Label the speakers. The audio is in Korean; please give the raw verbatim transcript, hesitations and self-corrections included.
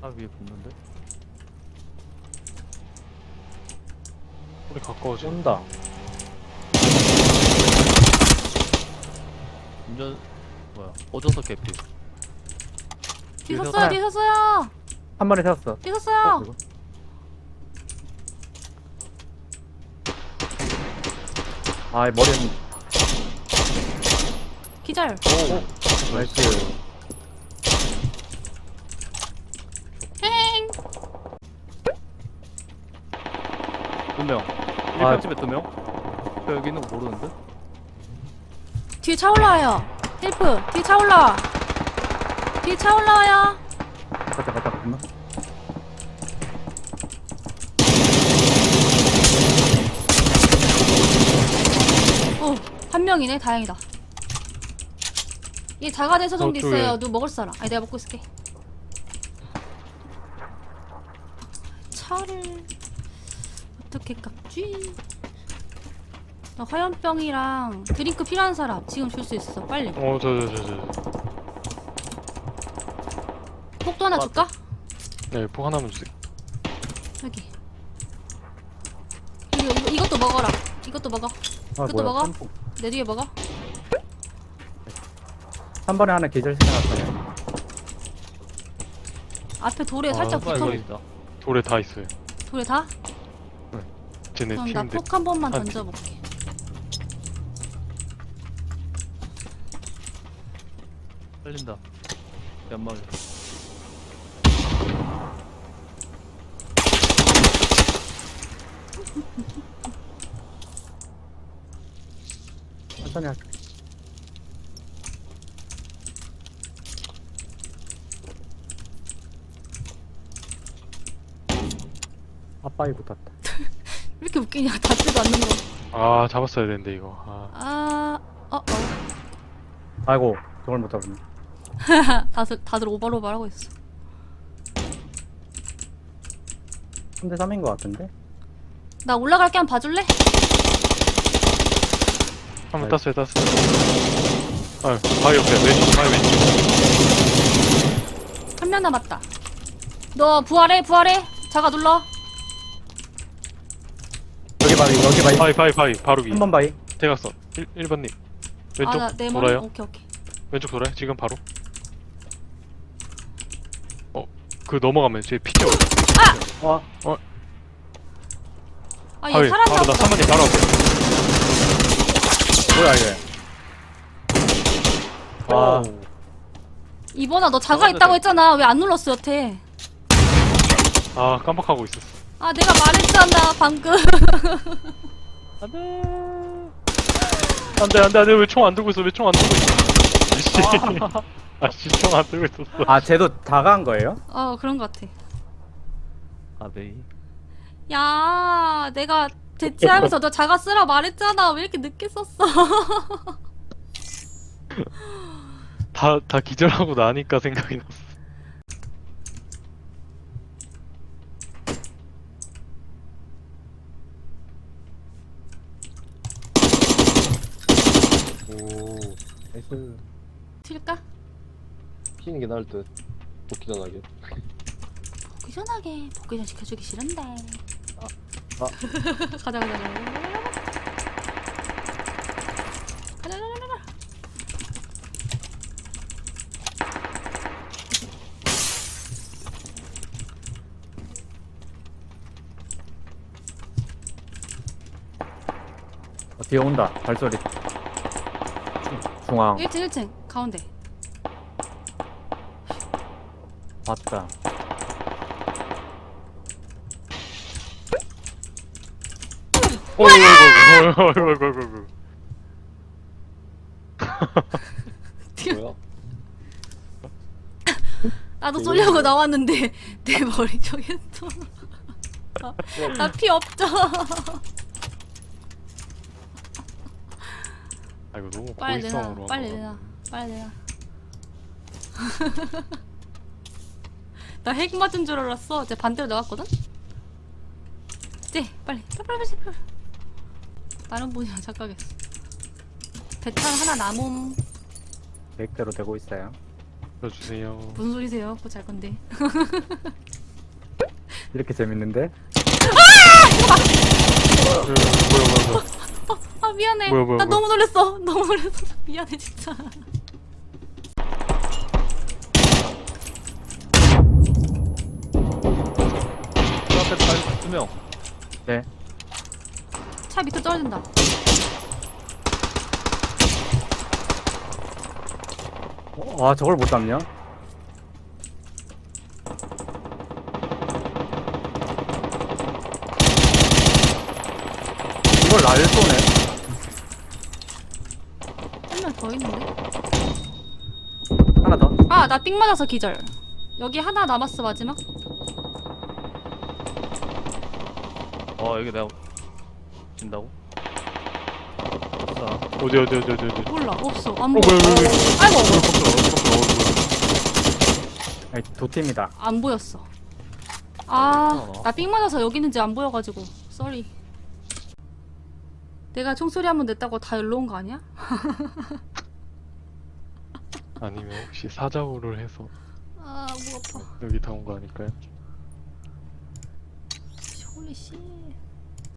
Speaker 1: 차 위에 붙는데?
Speaker 2: 우리 가까워져.
Speaker 3: 쏜다.
Speaker 1: 운전 뭐야? 어져서 개피.
Speaker 4: 뒤
Speaker 1: 뒤에서
Speaker 4: 섰어요,
Speaker 3: 사-
Speaker 4: 뒤 섰어요,
Speaker 3: 한 마리 세웠어.
Speaker 4: 뒤 섰어요.
Speaker 3: 이거. 아, 머리는
Speaker 4: 기절.
Speaker 1: 오.
Speaker 3: 나이스.
Speaker 4: 행.
Speaker 1: 두 명.
Speaker 3: 아.
Speaker 1: 일평집에 두 명. 저 여기 있는 거 모르는데?
Speaker 4: 뒤에 차 올라와요. 헬프. 뒤에 차 올라와. 뒤에 차 올라와요.
Speaker 3: 갔다 갔다 갔나?
Speaker 4: 오, 한 명이네. 다행이다. 얘 자가대 소정도
Speaker 2: 저쪽에.
Speaker 4: 있어요. 누구 먹을 사람? 아니, 내가 먹고 있을게. 차를 어떻게 깎지? 나 화염병이랑 드링크 필요한 사람 지금 줄 수 있어. 빨리.
Speaker 2: 어, 저, 저, 저, 저.
Speaker 4: 폭도 하나 줄까?
Speaker 2: 네, 폭 하나만 주세요.
Speaker 4: 여기. 이거, 이거 이것도 먹어라. 이것도 먹어.
Speaker 3: 아,
Speaker 4: 그것도 먹어?
Speaker 3: 템포.
Speaker 4: 내 뒤에 먹어.
Speaker 3: 한 번에 하나 계절 생각났어요.
Speaker 4: 앞에 돌에
Speaker 2: 아,
Speaker 4: 살짝
Speaker 1: 뭐야
Speaker 4: 붙어.
Speaker 1: 이거 있다.
Speaker 2: 돌에 다 있어요.
Speaker 4: 돌에 다?
Speaker 2: 쟤네
Speaker 4: 그럼 나
Speaker 2: 팀인데.
Speaker 4: 폭 한 번만
Speaker 2: 한
Speaker 4: 던져볼게.
Speaker 1: 살린다. 연막에.
Speaker 3: 천천히 할게. 아빠이 붙었다.
Speaker 4: 왜 이렇게 웃기냐? 닿지도 않는 거.
Speaker 2: 아, 잡았어야 되는데, 이거. 아,
Speaker 4: 아, 어, 어.
Speaker 3: 아이고, 저걸 못 잡았네.
Speaker 4: 다들 다들 오버로버 하고 있어.
Speaker 3: 삼 대 삼인 것 같은데?
Speaker 4: 나 올라갈게. 한번 봐줄래?
Speaker 2: 한 번
Speaker 3: 아이고.
Speaker 2: 땄어요, 땄어요. 아, 바위 옆에, 왼쪽, 바위 왼쪽.
Speaker 4: 한 명 남았다. 너 부활해, 부활해. 자가 눌러.
Speaker 3: 여기 바위, 여기 바위.
Speaker 2: 바위, 바위, 바위, 바로 위에.
Speaker 3: 한 번 바위.
Speaker 2: 대각선. 일 번님. 왼쪽
Speaker 4: 아, 나 내 머리.
Speaker 2: 돌아요.
Speaker 4: 오케이, 오케이.
Speaker 2: 왼쪽 돌아요. 지금 바로. 어, 그 넘어가면 제 피죠.
Speaker 3: 와,
Speaker 4: 아, 얘
Speaker 2: 바위,
Speaker 4: 살았나
Speaker 2: 바로 나
Speaker 4: 보다.
Speaker 2: 삼번님 바로 앞에.
Speaker 3: 뭐야 이게? 와,
Speaker 1: 오.
Speaker 4: 이번아, 너 자가
Speaker 1: 잡았는데.
Speaker 4: 있다고 했잖아. 왜 안 눌렀어, 여태?
Speaker 2: 아, 깜빡하고 있었어.
Speaker 4: 아, 내가 말했잖아, 방금.
Speaker 1: 안돼.
Speaker 2: 안돼, 안돼, 안돼. 왜 총 안 들고 있어? 왜 총 안 들고 있어? 이씨. 아씨, 총 안 들고 있었어.
Speaker 3: 아 쟤도 다가한 거예요?
Speaker 4: 어, 그런 것 같아.
Speaker 1: 아베이.
Speaker 4: 야, 내가 대치하면서 너 자가 쓰라 말했잖아. 왜 이렇게 늦게 썼어?
Speaker 2: 다, 다 기절하고 나니까 생각이 났어.
Speaker 5: 오,
Speaker 3: 나이스.
Speaker 4: 튈까?
Speaker 5: 피는 게 나을 듯. 복귀 전하게.
Speaker 4: 복귀 전하게. 복귀 전 시켜주기 싫은데.
Speaker 3: 아.
Speaker 4: 가자, 가자, 가자. 가자, 가자, 가자.
Speaker 3: 어, 뒤에 온다. 발소리. 중, 중앙.
Speaker 4: 일 층, 일 층. 가운데.
Speaker 3: 봤다.
Speaker 2: 어이구, 어이구, 어이구, 어이구, 어이구, 어이구.
Speaker 5: 뭐야?
Speaker 4: 나도 쏠려고 나왔는데 내 머리 쪽에 또. 나 피 없죠.
Speaker 2: 아, 이거 너무
Speaker 4: 빨리 내놔.
Speaker 2: 고의성으로.
Speaker 4: 빨리
Speaker 2: 한
Speaker 4: 내놔. 빨리 내놔. 나 핵 맞은 줄 알았어. 이제 반대로 나갔거든. 네, 빨리. 빨리 빨리 빨리. 빨리. 다른 분이랑 착각했어. 대탄 하나 남음.
Speaker 3: 계획대로 되고 있어요.
Speaker 2: 거. 주세요.
Speaker 4: 무슨 소리세요? 그거 잘 건데.
Speaker 3: 이렇게 재밌는데?
Speaker 2: 그, 뭐야 뭐야 뭐야.
Speaker 4: 아 미안해.
Speaker 2: 뭐야, 뭐야,
Speaker 4: 나
Speaker 2: 뭐야.
Speaker 4: 너무 놀랬어. 너무 놀랬어. 미안해 진짜.
Speaker 1: 저 앞에 발, 두 명.
Speaker 3: 네.
Speaker 4: 차 밑으로 떨어진다.
Speaker 3: 어, 아, 저걸 못 잡냐? 이걸 날 쏘네.
Speaker 4: 한 명 더 있는데?
Speaker 3: 하나 더.
Speaker 4: 아, 나 삥 맞아서 기절. 여기 하나 남았어, 마지막.
Speaker 1: 어, 여기 내가 진다고? 아싸.
Speaker 2: 어디 어디 어디 어디 어디.
Speaker 4: 몰라, 없어. 안
Speaker 2: 어
Speaker 4: 보여.
Speaker 2: 뭐야 뭐야 뭐야.
Speaker 4: 아이고,
Speaker 3: 아니, 두 팀이다.
Speaker 4: 안 보였어. 아,
Speaker 1: 어.
Speaker 4: 나 삥 맞아서 여기 있는지 안 보여가지고. 쏘리. 내가 총소리 한 번 냈다고 다 일로 온 거 아니야?
Speaker 2: 아니면 혹시 사자우를 해서
Speaker 4: 아, 목 아파.
Speaker 2: 여기 다 온 거 아닐까요?
Speaker 4: 홀리 씨.